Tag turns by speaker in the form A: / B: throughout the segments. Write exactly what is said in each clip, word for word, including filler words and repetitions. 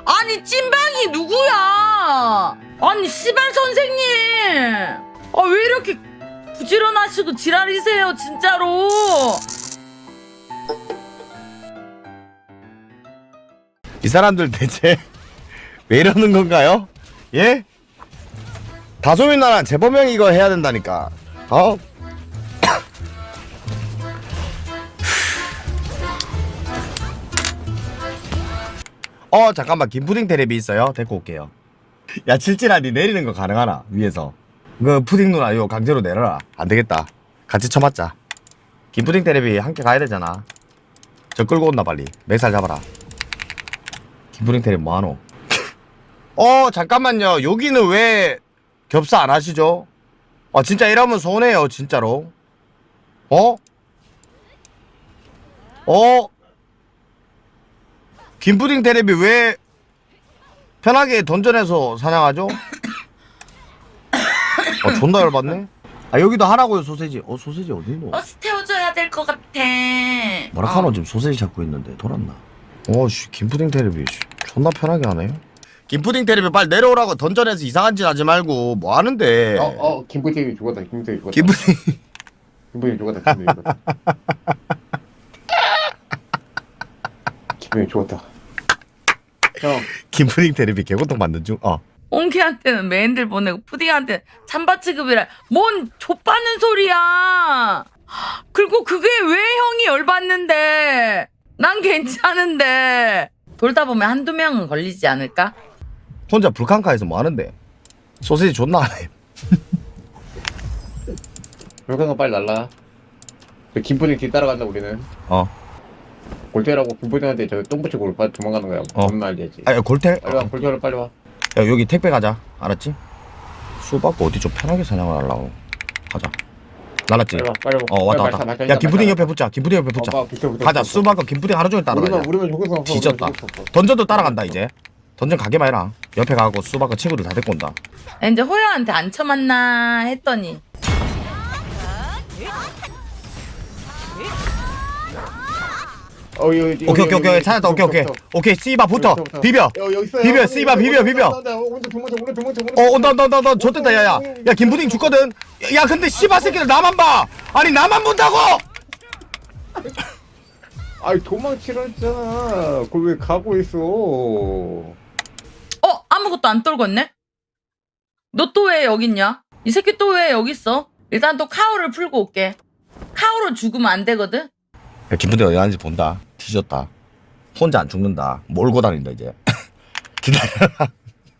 A: 아니 찐방이 누구야? 아니 씨발 선생님 아 왜 이렇게 부지런하시고 지랄이세요 진짜로.
B: 이 사람들 대체 왜 이러는 건가요? 예? 다소민 나라 재범형 이거 해야 된다니까. 어? 어 잠깐만 김푸딩 테레비 있어요? 데리고 올게요. 야 칠칠아 니 내리는 거 가능하나? 위에서 그 푸딩 누나 이거 강제로 내려라. 안되겠다 같이 쳐맞자. 김푸딩 테레비 함께 가야 되잖아. 저 끌고 온나 빨리. 맥살 잡아라. 김푸딩 테레비 뭐하노? 어 잠깐만요 여기는 왜 겹사 안 하시죠? 아 진짜 이러면 손해요 진짜로. 어? 어? 김푸딩 테레비 왜 편하게 던전에서 사냥하죠? 어 존나 열받네. 아 여기도 하라고요 소세지. 어 소세지 어딨노?
A: 버스 태워줘야 될 것 같아.
B: 뭐라카노
A: 어.
B: 지금 소세지 잡고 있는데 돌았나? 어씨 김푸딩 테레비 존나 편하게 하네. 김푸딩 테레비 빨리 내려오라고. 던전에서 이상한 짓 하지 말고 뭐 하는데.
C: 어, 어, 김부택이 죽었다. 김부택이 죽었다.
B: 김푸딩
C: 김부택이 죽었다. 김부택이 죽었다. 김부택이 죽었다. 형,
B: 김푸딩 테레비 개고통 받는 중. 어.
A: 옹키한테는 메인들 보내고 푸딩한테는 찬바 취급이라 뭔 좆받는 소리야. 그리고 그게 왜 형이 열받는데 난 괜찮은데. 돌다 보면 한두 명은 걸리지 않을까?
B: 혼자 불칸카에서 뭐 하는데? 소세지 존나 하네.
C: 물건가 빨리 날라. 저 김부택 뒤 따라간다 우리는.
B: 어.
C: 골태라고 김부택한테 저 똥 붙이고 빨리 도망가는 거야.
B: 어.
C: 뭔 말이지.
B: 아, 야, 골텔?
C: 빨리 와, 골태로 빨리 와.
B: 야, 여기 택배 가자. 알았지? 수 받고 어디 좀 편하게 사냥을 하려고. 가자. 날았지?
C: 빨리 와, 빨리 와.
B: 어, 왔다,
C: 빨리
B: 왔다.
C: 말타,
B: 야,
C: 말타,
B: 김푸딩
C: 말타.
B: 옆에 붙자. 김푸딩 옆에 붙자.
C: 어, 붙어, 붙어,
B: 가자.
C: 붙어.
B: 수 받고 김푸딩 하루 종일 따라가자.
C: 우리만 우리만 죽을 수 없어.
B: 뒤졌다.
C: 우리만 죽을 수 없어.
B: 던전도 따라간다, 이제. 던전 가게만 해라. 옆에 가고 수 받고 친구들 다 데리고 온다.
A: 이제 호야한테 안 쳐맞나 했더니
C: 어, 여기, 여기,
B: 오케이,
C: 여기,
B: 오케이, 오케이.
C: 여기,
B: 찾았다. 오케이, 오케이.
C: 여기부터.
B: 오케이, 씨바 붙어.
C: 여기부터.
B: 비벼.
C: 여, 여기 있어요.
B: 비벼,
C: 여기,
B: 씨바,
C: 여기,
B: 비벼,
C: 여기,
B: 비벼.
C: 온다, 온다. 오른쪽 도망쳐, 오른쪽 도망쳐, 오른쪽
B: 어, 온다, 온다, 온다, 온다. 좋댔다, 야, 야. 야, 김푸딩 죽거든. 야, 근데 씨바 새끼들 나만 봐. 아니, 나만 본다고!
C: 아이 도망치라 했잖아. 그걸 왜 가고 있어?
A: 어? 아무것도 안 떨궜네? 너 또 왜 여기 있냐? 이 새끼 또 왜 여기 있어? 일단 또 카오를 풀고 올게. 카오로 죽으면 안 되거든?
B: 야, 김푸딩 어디 가는지 본다. 뒤졌다. 혼자 안 죽는다. 몰고 다닌다, 이제. 기다려.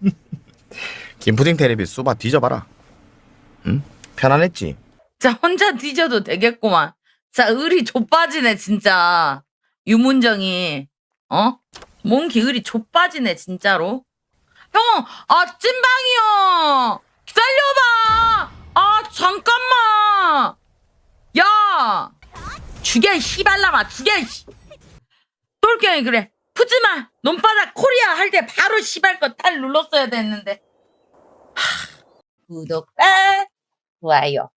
B: 김푸딩 테레비 수바 뒤져봐라. 응? 편안했지?
A: 자, 혼자 뒤져도 되겠구만. 자, 의리 좆빠지네, 진짜. 유문정이. 어? 몽키 의리 좆빠지네, 진짜로. 형, 아, 찐방이요. 기다려봐. 아, 잠깐만. 야. 죽여, 이 씨발라마. 죽여, 이 씨. 똘경이 그래. 푸지마. 논바닥 코리아 할 때 바로 씨발 거 탈 눌렀어야 됐는데. 하, 구독과 좋아요.